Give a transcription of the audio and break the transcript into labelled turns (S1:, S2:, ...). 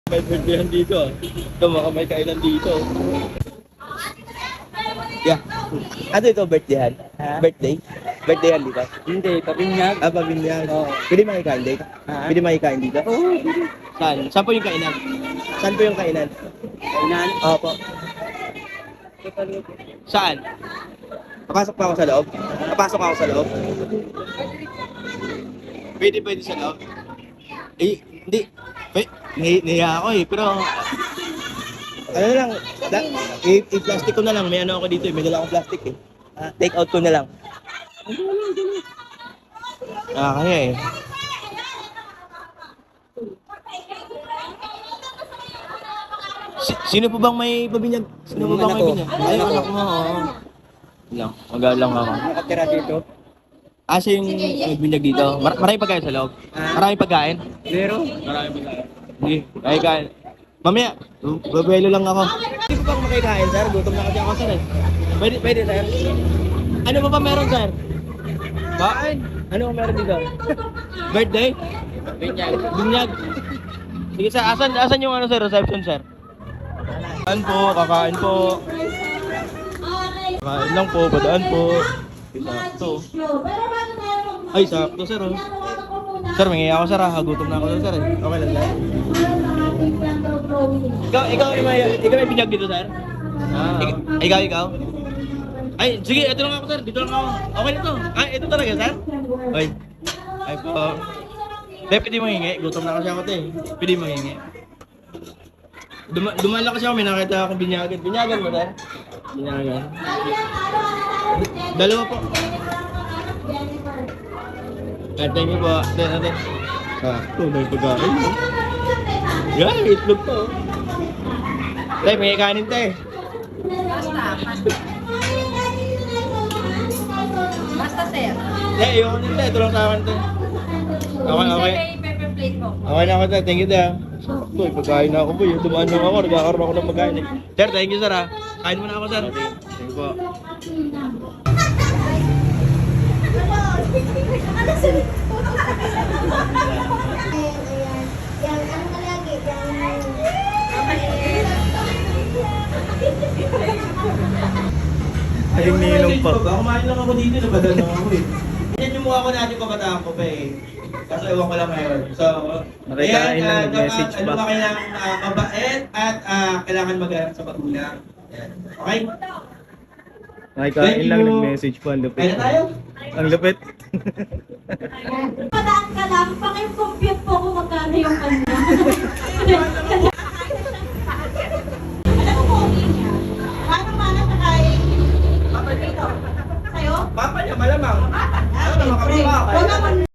S1: May birthday dito ah. Ito, baka may kainan dito. Yeah. Ano ito, birthday?
S2: Ha?
S1: Birthday? Birthday dito?
S2: Hindi, pabinyag.
S1: Ah, pabinyag.
S2: Oo.
S1: Pwede makikain dito?
S2: Ha?
S1: Pwede makikain dito?
S2: Oo,
S1: Saan? Saan po yung kainan? Saan po yung kainan?
S2: kainan.
S1: Opo. Saan? Papasok pa ako sa loob? Papasok ako sa loob? Pwede sa loob? Eh, hindi. Nahiya ako eh, pero... Ano lang, i-plastic ko na lang. May ano ako dito eh, may dala akong plastic eh. Take out ko na lang. Kaya eh. Sino po bang may pabinyag? Sino po bang may pabinyag? Ay, anak mo, oo. Lang, magalang ako.
S2: Nakatira dito.
S1: Siya yung nagbinyag dito. Maraming pagkain sa loob. Maraming pagkain.
S2: Zero.
S1: Maraming pagkain. Hindi, ay kain. Mamaya, babuelo lang ako. Hindi ko bang makikain, sir? Gutom na kasi ako, sir. Pwede, sir. Ano pa meron, sir? Kain. Ano pa meron dito? Birthday? Binyag. Sige, sir. Asan yung ano, sir? Reception, sir? Kakain po. Kakain lang po, badaan po. Sakto. Ay, sakto, sir. Oh. Sir, mangyaya ako, sir. Gutom na ako, sir. Okay lang, sir. Ikaw may binyag dito, sir? Ikaw? Ay, sige, ito lang ako, sir. Dito lang ako. Okay na to. Ay, ito talaga, sir? Ay po. Pwede mo hingi. Gutom na kasi ako, te. Pwede mo hingi. Dumaan lang kasi ako, may nakita akong binyagan. Binyagan mo, sir? Binyagan. Dalawa po. Thank you po. Ate. Ito, may pagkain. Yan, itlog to. Tay, may kanin, te.
S3: Basta sir.
S1: Ayoko nito, ito lang sa akin, te. Okay.
S3: Pepper plate po.
S1: Okay na ako, te. Thank you, te. Ito, pagkain na ako po. Dumaan lang ako, nagkakaroon ako ng pagkain. Sir, thank you, sir, ha. Kain mo na ako, sir. Thank you po.
S2: Ayun, ninong pa.
S1: Kumain lang ako dito, nabadal lang ako eh. Yan yung mukha ko natin kabataan ko pa eh. Kaso ewan ko lang ngayon. So,
S2: Nakikain lang, nag-message
S1: ano
S2: pa.
S1: ba kailangan mabait at kailangan mag-alala sa magulang. Yan. Okay?
S2: Nakikain lang, nag-message pa. Ang lupit.
S1: Kaya na tayo?
S2: Ang lupit.
S3: Padaan ka lang, paki-compute po kung magkano yung kanya. Alam mo po, niya. Paano mana sa kain? Papa dito. Sa'yo?
S1: Papa niya, malamang.
S3: Papa.
S1: Ano naman kami
S3: Wala man